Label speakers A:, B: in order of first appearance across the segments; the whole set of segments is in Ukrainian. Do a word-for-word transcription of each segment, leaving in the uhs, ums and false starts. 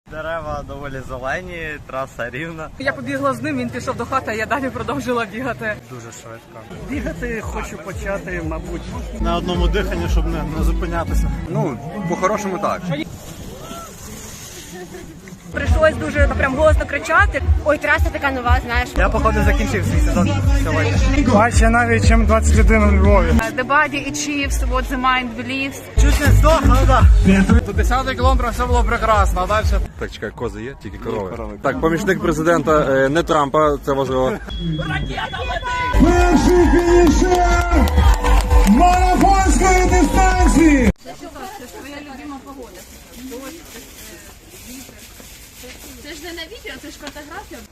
A: Дерева доволі зелені, траса рівна.
B: Я побігла з ним, він пішов до хати, а я далі продовжила бігати.
A: Дуже швидко.
C: Бігати хочу почати, мабуть, на одному диханні, щоб не, не зупинятися.
D: Ну, по-хорошому так.
B: Прийшлось дуже прям голосно кричати.
E: Ой, траса така нова, знаєш.
A: Я, походу, закінчив свій сезон сьогодні.
C: Бачу навіть, ніж двадцять один у Львові.
B: The body achieves what the mind believes.
A: Чуть не здох, але так.
C: До десятого кілометра все було прекрасно, а далі...
D: Так, чекай, кози є, тільки корови. Так, помічник президента, е, не Трампа, це важливо.
F: Перший фінішер марафонської дистанції.
B: Це твоя любима погода. Це ж не на відео, це ж фотографія.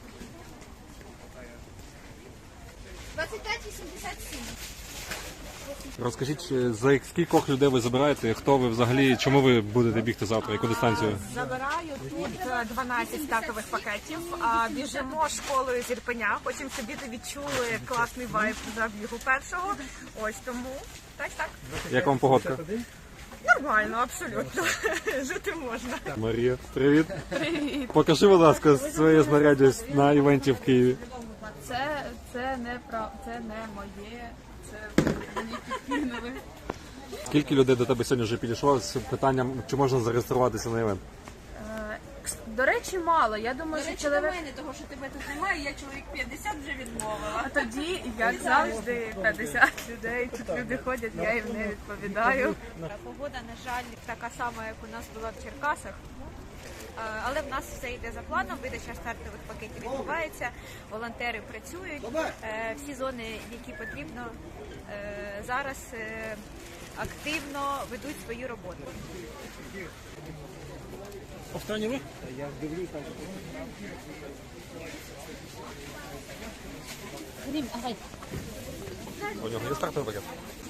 E: двадцять п'ять вісімдесят сім.
D: Розкажіть, за скількох людей ви забираєте, хто ви взагалі, чому ви будете бігти завтра, яку дистанцію?
B: Забираю тут дванадцять стартових пакетів, а біжимо школою з Ірпеня. Хочемо, щоб діти відчули класний вайб забігу першого. Ось тому. Так, так.
D: Як вам погодка?
B: Нормально, абсолютно. Жити можна.
D: Марія, привіт.
B: Привіт.
D: Покажи, будь ласка, своє знаряддя на івенті в Києві.
B: Це, це не прав, це не моє, це мені підкинули.
D: Скільки людей до тебе сьогодні вже підійшло з питанням, чи можна зареєструватися на івент?
B: До речі, мало. Я думаю, що чоловік...
E: мене, того, що тебе тут немає, я чоловік п'ятдесят вже відмовила.
B: А тоді, як завжди, п'ятдесят людей. Тут люди ходять, я їм не відповідаю.
E: Погода, на жаль, така сама, як у нас була в Черкасах. Але в нас все йде за планом, видача стартових пакетів відбувається, волонтери працюють, всі зони, які потрібно, зараз активно ведуть свою роботу.
C: Останній ви? Я дивлюсь там.
D: У нього є стартовий пакет?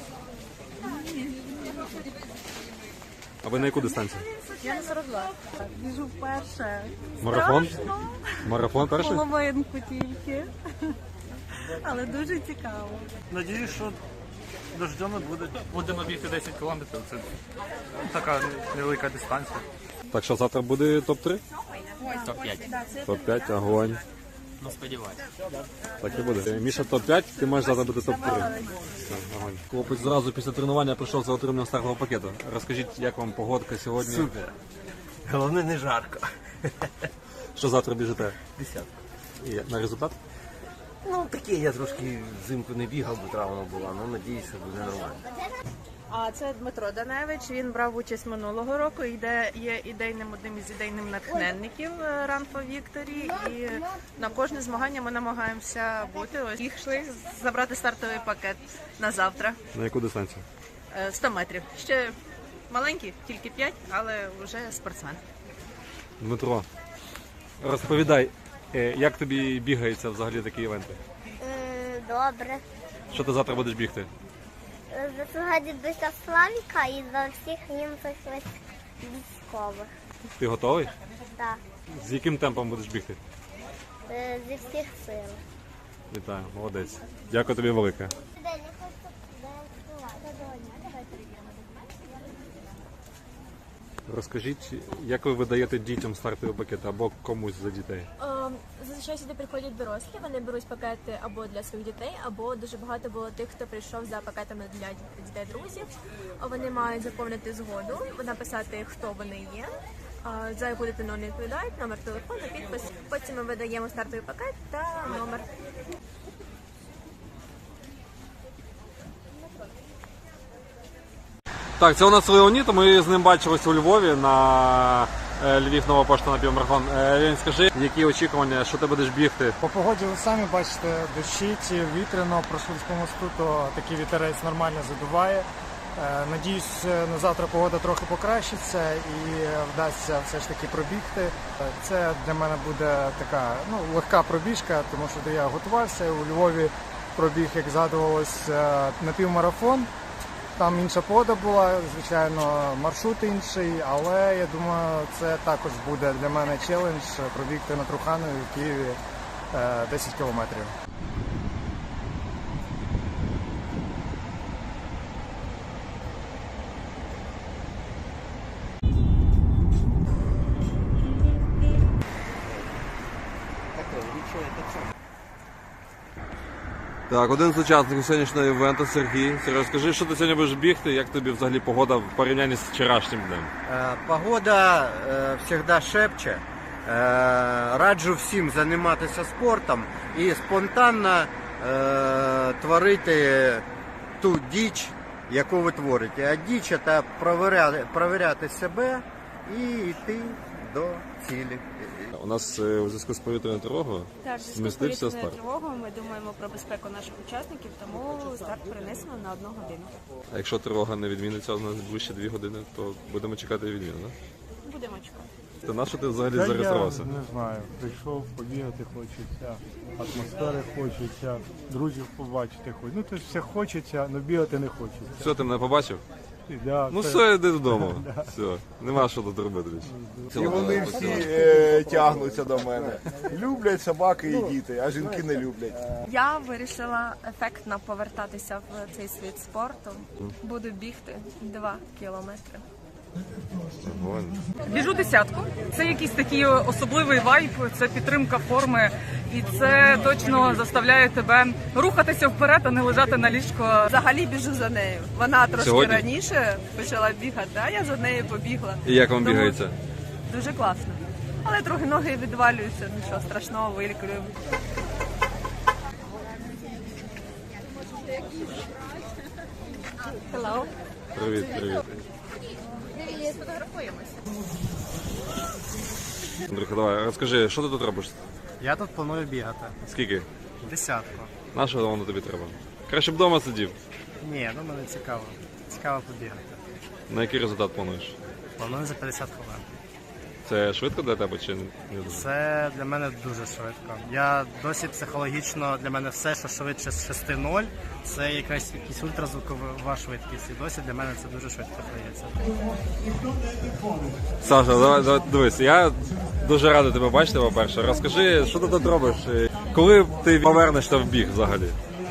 D: А ви на яку дистанцію?
B: Я на сорок два. Біжу вперше.
D: Марафон? Марафон перший?
B: Половинку тільки. Але дуже цікаво.
C: Надіюсь, що дождю не буде.
A: Будемо бігти десять кілометрів, це така невелика дистанція.
D: Так що завтра буде топ три?
A: топ п'ять.
D: топ п'ять, огонь.
A: Ну, сподіваюся.
D: Так і буде. Міша топ п'ять, ти маєш завтра бути топ три. Огонь. Хлопець зразу після тренування прийшов за отриманням стартового пакету. Розкажіть, як вам погодка сьогодні?
A: Супер. Головне, не жарко.
D: Що завтра біжите?
A: Десятка.
D: І на результат?
A: Ну, таке, я трошки взимку не бігав, бо травма була, але надіюсь, що буде нормально.
B: А це Дмитро Даневич. Він брав участь минулого року. Іде є ідейним одним із ідейним натхненників Run for Victory. І на кожне змагання ми намагаємося бути. Ось їх йшли забрати стартовий пакет на завтра.
D: На яку дистанцію?
B: Е, сто метрів. Ще маленький, тільки п'ять, але вже спортсмен.
D: Дмитро, розповідай, е, як тобі бігається взагалі такі івенти?
G: Добре.
D: Що ти завтра будеш бігти?
G: Сьогодні до Славіка і за всіх німців військових.
D: Ти готовий?
G: Так.
D: З яким темпом будеш бігти?
G: Зі всіх сил.
D: Вітаю, молодець. Дякую тобі велике. Розкажіть, як ви видаєте дітям стартові пакети або комусь за дітей?
H: Зазвичай сюди приходять дорослі, вони беруть пакети або для своїх дітей, або дуже багато було тих, хто прийшов за пакетами для дітей-друзів. Вони мають заповнити згоду, написати, хто вони є, за яку дитину не відповідають, номер телефону, підпис. Потім ми видаємо стартовий пакет та номер.
D: Так, це у нас Леонід, ми з ним бачилися у Львові на Львів Нова Пошта на півмарафон. Леонід, скажи, які очікування, що ти будеш бігти?
C: По погоді ви самі бачите, дощить, вітряно, пройшли по мосту, то такий вітерець нормально задуває. Надіюсь, на завтра погода трохи покращиться і вдасться все ж таки пробігти. Це для мене буде така ну, легка пробіжка, тому що я готувався. У Львові пробіг, як згадувалось, на півмарафон. Там інша погода була, звичайно, маршрут інший, але я думаю, це також буде для мене челендж пробігти на Труханові в Києві десять кілометрів.
D: Так, один з учасників сьогоднішнього івенту Сергій. Сергій, розкажи, що ти сьогодні будеш бігти, як тобі взагалі погода в порівнянні з вчорашнім днем?
I: Е, Погода завжди шепче. Е, Раджу всім займатися спортом і спонтанно е, творити ту діч, яку ви творите. А діч – це провіряти, провіряти себе і йти до цілі.
D: У нас е, у зв'язку з повітряною тривогою
J: Так, з
D: змістився
J: повітряною
D: старт.
J: тривогою ми думаємо про безпеку наших учасників, тому старт перенесено на одну годину.
D: А якщо тривога не відміниться у нас ближче дві години, то будемо чекати відміну, так?
J: Будемо чекати.
D: Та на що ти взагалі
K: Та
D: зареєструвався?
K: Я не знаю, прийшов, побігати хочеться, атмосфери хочеться, друзів побачити хочеться. Ну то все хочеться, але бігати не хочеться.
D: Все, ти мене побачив?
K: І, да,
D: Ну
K: це-
D: все, йди додому. Все, нема що тут робити більше.
L: І вони всі е, тягнуться до мене. Люблять собаки і діти, а жінки не люблять.
M: Я вирішила ефектно повертатися в цей світ спорту. Буду бігти два кілометри.
N: Біжу десятку. Це якийсь такий особливий вайб, це підтримка форми, і це точно заставляє тебе рухатися вперед, а не лежати на ліжку.
M: Взагалі біжу за нею. Вона трошки
D: Сьогодні?
M: раніше почала бігати, а я за нею побігла.
D: І як вам
M: Тому
D: бігається?
M: Дуже класно. Але трохи ноги відвалюються, нічого страшного, вилікуємо.
B: Hello.
D: Привіт, привіт.
B: Сфотографуємося.
D: Андрюха, давай, розкажи, що ти тут робиш?
C: Я тут планую бігати.
D: Скільки?
C: Десятку.
D: На що воно тобі треба? Краще б вдома сидів.
C: Ні, ну мене цікаво. Цікаво побігати.
D: На який результат плануєш?
C: Планую за п'ятдесят хвилин.
D: Це швидко для тебе чи не дуже?
C: Це для мене дуже швидко. Я досі психологічно, для мене все, що швидше з шести нуль, це якась якась ультразвукова швидкість. І досі для мене це дуже швидко здається.
D: Саша, давай, давай дивись, я дуже радий тебе бачити, по-перше. Розкажи, що ти тут робиш? І коли ти повернешся в біг взагалі?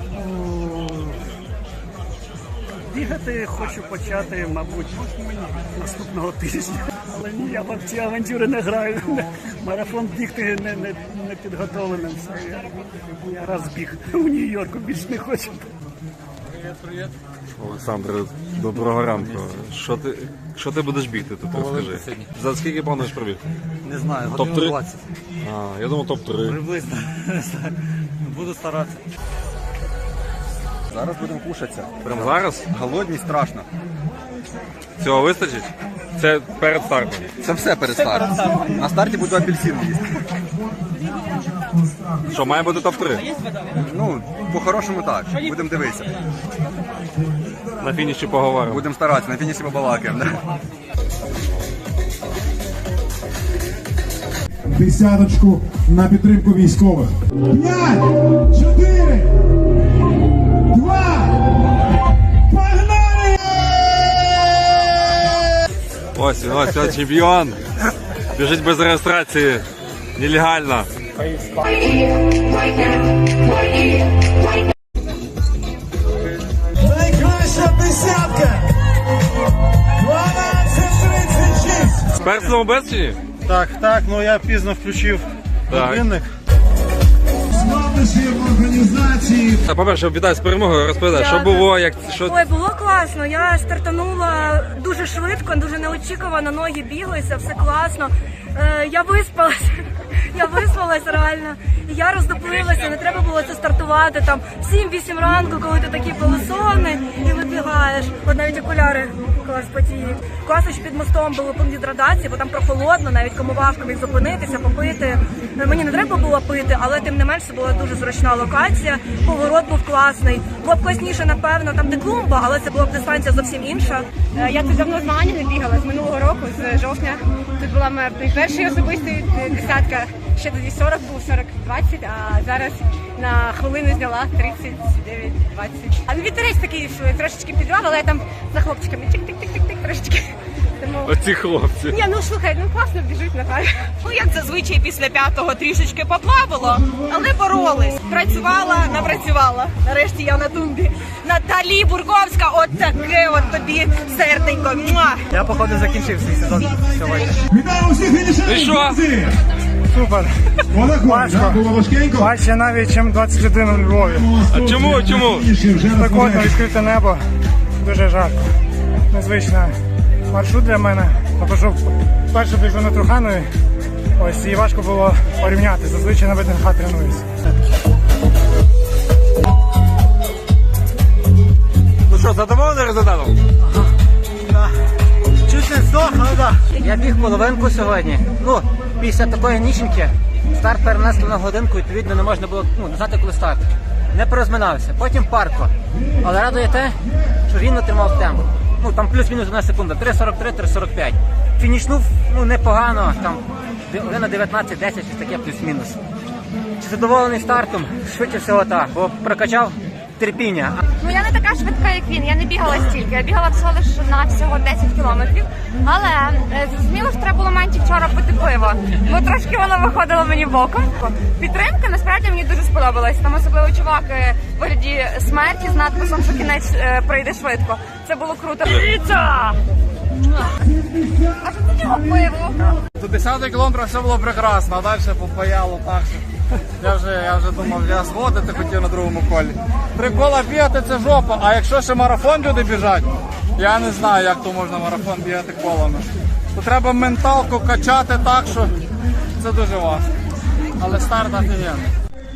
O: Бігати хочу почати, мабуть, наступного тижня. Але ні, я в ці авантюри не граю. Марафон бігти не, не, не підготовленим. Все, я, я раз біг у Нью-Йорку, більше не хочу.
D: Привіт, привіт. Олександр, доброго ранку. Що ти, що ти будеш бігти тут, розкажи? За скільки плануєш пробігти?
P: Не знаю,
D: топ
P: годину
D: три?
P: двадцять.
D: А, я думав топ три.
P: Приблизно. Буду старатися.
L: Зараз будемо кушатися.
D: Прямо зараз?
L: Голодні страшно.
D: Цього вистачить? Це перед стартом.
L: Це все перед стартом. На старті буду апельсин їсти.
D: Що, має бути топ три?
L: Ну, по-хорошому так. Будемо дивитися.
D: На фініші поговоримо.
L: Будемо старатися, на фініші побалакаємо. Да?
F: Десяточку на підтримку військових. П'ять, чотири, два, погнали!
D: Ось він, ось, ось чемпіон. Біжить без реєстрації. Нелегально.
F: Найкраща десятка! дванадцять тридцять шість!
D: З персоном без чи ні?
C: Так, так, ну я пізно включив
D: Так.
C: годинник.
F: Складнощі в організації.
D: А, по-перше, вітаю з перемогою, розповідай, що було, як, що...
Q: Ой, було класно. Я стартанула дуже швидко, дуже неочікувано, ноги біглися, все класно. Е, я виспалася, я виспалась реально. І я роздоплилася, не треба було це стартувати там в сім-вісім ранку, коли ти такі полосони і вибігаєш. От навіть окуляри клас потіють. Класно, що під мостом було пункт гідратації, бо там прохолодно, навіть кому важко міг зупинитися, попити. Мені не треба було пити, але тим не менш це була дуже зручна локація. Поворот був класний. Було б класніше, напевно, там де клумба, але це була б дистанція зовсім інша.
R: Я тут давно змагання не бігала, з минулого року, з жовтня. Тут була моя перший особистий десятка. Ще тоді сорок був, сорок двадцять, а зараз на хвилину зняла тридцять дев'ять двадцять. А вітерець такий трошечки підвав, але я там за хлопчиками тик-тик-тик-тик трошечки. Тому...
D: Оці хлопці.
R: Ні, ну слухай, ну класно біжуть, напевно.
N: Ну, як зазвичай після п'ятого трішечки поплавало, але боролись. Працювала, напрацювала. Нарешті я на тумбі. Наталі Бурковська, от таке от тобі серденько. Муа!
C: Я, походу, закінчив свій сезон сьогодні.
F: Вітаю усіх
D: І що?
F: фінішерів!
C: супер. Важко. Важче навіть, ніж двадцять один у Львові.
D: А чому? Чому?
C: Спекотно, відкрите небо. Дуже жарко. Незвичний маршрут для мене. Тобто, перше біжу на Труханові. Ось, і важко було порівняти. Зазвичай на ВДНХ тренуюся.
D: Ну що, задоволений результатом?
S: Чуть не здох, але так. Я біг половинку сьогодні. Ну, після такої ніченьки старт перенесли на годинку, відповідно не можна було ну, не знати, коли старт. Не порозминався. Потім парко. Але радує те, що рівно тримав темп. Ну, там плюс-мінус одна секунда. три сорок три - три сорок п'ять. Фінішнув, ну, непогано. Там година дев'ятнадцять десять, щось таке плюс-мінус. Чи задоволений стартом? Швидше всього так, бо прокачав терпіння.
T: Ну я не така швидка, як він, я не бігала стільки, я бігала всього лише на всього десять кілометрів, але е, зрозуміло, що треба було менше вчора пити пиво, бо трошки воно виходило мені боком. Підтримка насправді мені дуже сподобалась, там особливо чувак е, в вигляді смерті з надписом, що кінець е, пройде швидко. Це було круто. Піца! А що це цього пиво?
U: До десятого кілометра все було прекрасно, а далі попаяло так, що я вже, я вже думав, я зводити хотів на другому колі. Три кола бігати – це жопа, а якщо ще марафон люди біжать, я не знаю, як то можна марафон бігати колами. То треба менталку качати так, що це дуже важко. Але старт офігенний.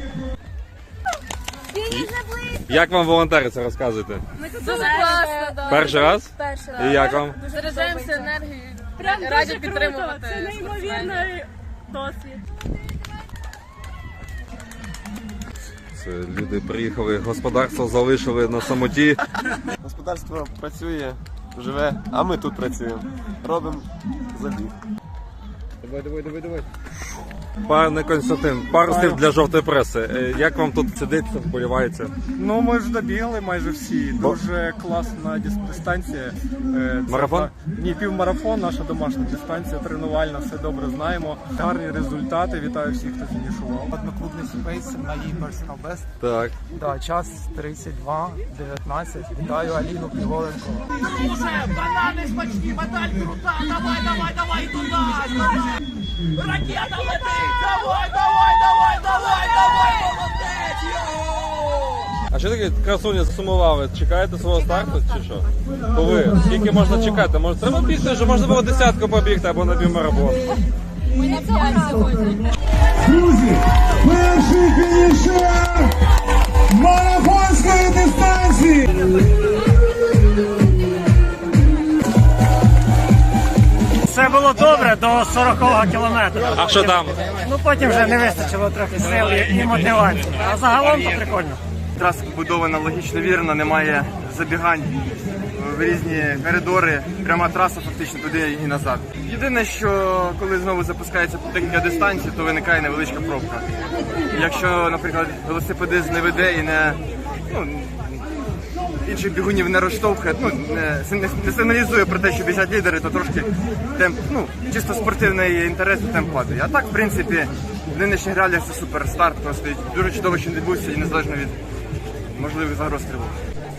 D: Як вам волонтериться, розказуйте?
H: Ми тут дуже класно, да.
D: Перший раз?
H: Перший
D: І як вам?
H: Заряджаємося енергією. Прям раді підтримувати. Це неймовірний досвід.
D: Це люди приїхали, господарство залишили на самоті.
V: Господарство працює, живе, а ми тут працюємо. Робимо забіг.
D: Давай, давай, давай, давай. Пане Константин, пару слів для жовтої преси. Як вам тут сидиться, вболівається?
K: Ну, ми ж добігли майже всі. Дуже класна дис- дистанція. Е, це
D: Марафон?
K: та- Ні, півмарафон, наша домашня дистанція, тренувальна, все добре знаємо. Гарні результати, вітаю всіх, хто фінішував.
C: Одноклубний спейс на її personal best.
D: Так.
C: Да, час тридцять два дев'ятнадцять. Вітаю Аліну Піволенко.
F: Банани смачні, медаль крута, давай, давай, давай, туди, ракета летить, давай, давай, давай, давай, давай, молодець, йоу!
D: А що таке красуня засумували? Чекаєте свого старту чи що? Коли? Скільки можна чекати? Може треба бігти, що можна було десятку побігти або на півмарафон?
H: Ми не п'ять сьогодні.
F: Друзі, перший фінішер марафонської дистанції.
O: Все було добре до сорокового кілометра.
D: А що там?
O: Ну потім вже не вистачило трохи сил і і мотивації. А загалом то прикольно.
U: Траса побудована логічно вірно, немає забігань в різні коридори, пряма траса фактично туди і назад. Єдине, що коли знову запускається декілька дистанцій, то виникає невеличка пробка. Якщо, наприклад, велосипедист не веде і не ну, інших бігунів не розштовхує, ну не, не, не сигналізує про те, що біжать лідери, то трошки темп, ну чисто спортивний інтерес, темп падає. А так, в принципі, в нинішніх реаліях це супер старт, просто дуже чудово, що відбувся і незалежно від можливих загроз тривог.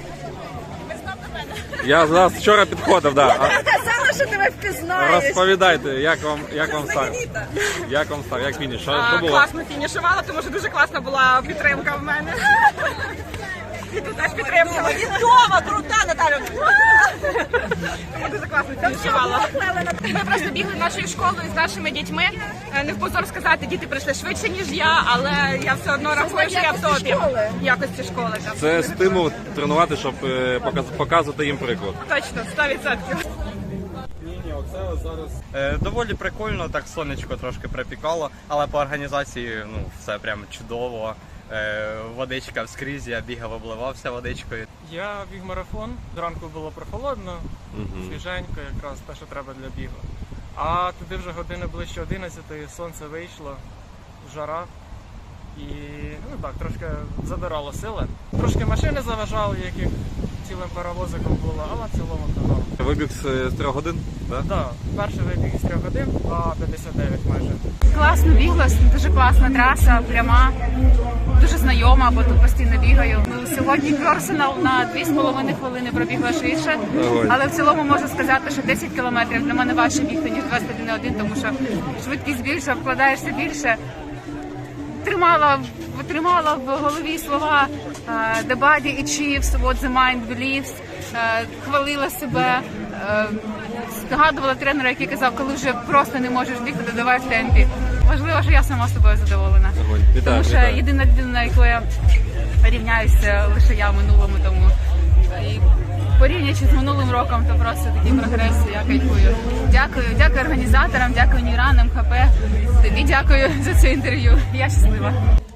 D: Я зараз вчора підходив, да. А
N: Казала, що тебе впізнаєш.
D: розповідайте, як вам, як вам старт? Як вам старт? Як фініш? Що, що
N: А,
D: було?
N: класно фінішувала, тому що дуже класна була підтримка в мене. І тут теж підтримка. Відома, крута, Наталя. Тому дуже класно фінішувала. Ми просто бігли нашою школою з нашими дітьми. Е, Не в позор сказати, діти прийшли швидше, ніж я, але я все одно рахую, що я в топі. Якості школи. так.
D: Це стимул тренувати, щоб е, показ- показувати їм приклад.
N: Точно, сто відсотків.
W: Е, Доволі прикольно, так сонечко трошки припікало, але по організації ну, все прям чудово. Е, Водичка вскрізь, я бігав, обливався водичкою.
C: Я біг марафон, зранку було прохолодно,
D: Мгм.
C: свіженько, якраз те, що треба для бігу. А туди вже години ближче одинадцятої, сонце вийшло, жара. І ну так, трошки забирало сили. Трошки машини заважали, яких цілим паровозиком було, але в цілому то норм.
D: Вибіг з, з трьох годин, так?
C: Так, перший вибіг із трьох годин, два п'ятдесят дев'ять майже.
T: Класно біглось, дуже класна траса, пряма.
A: дуже знайома, бо тут постійно бігаю. Сьогодні персонал на дві з половиною хвилини пробігла швидше, але в цілому можу сказати, що десять кілометрів для мене важче бігти, ніж двадцять один один, тому що швидкість більше, вкладаєшся більше. Тримала, тримала в голові слова uh, «The body achieves what the mind believes», uh, хвалила себе, uh, згадувала тренера, який казав, коли вже просто не можеш бігти, додавай в темпі. Важливо, що я сама собою задоволена.
D: Вітаю,
A: Тому що
D: вітаю.
A: єдина людина, якою я рівняюся, лише я в минулому тому. І порівнюючи з минулим роком, то просто такий прогрес, я кайфую. Дякую, дякую організаторам, дякую Нейранам, ХП. Тобі дякую за це інтерв'ю. Я щаслива.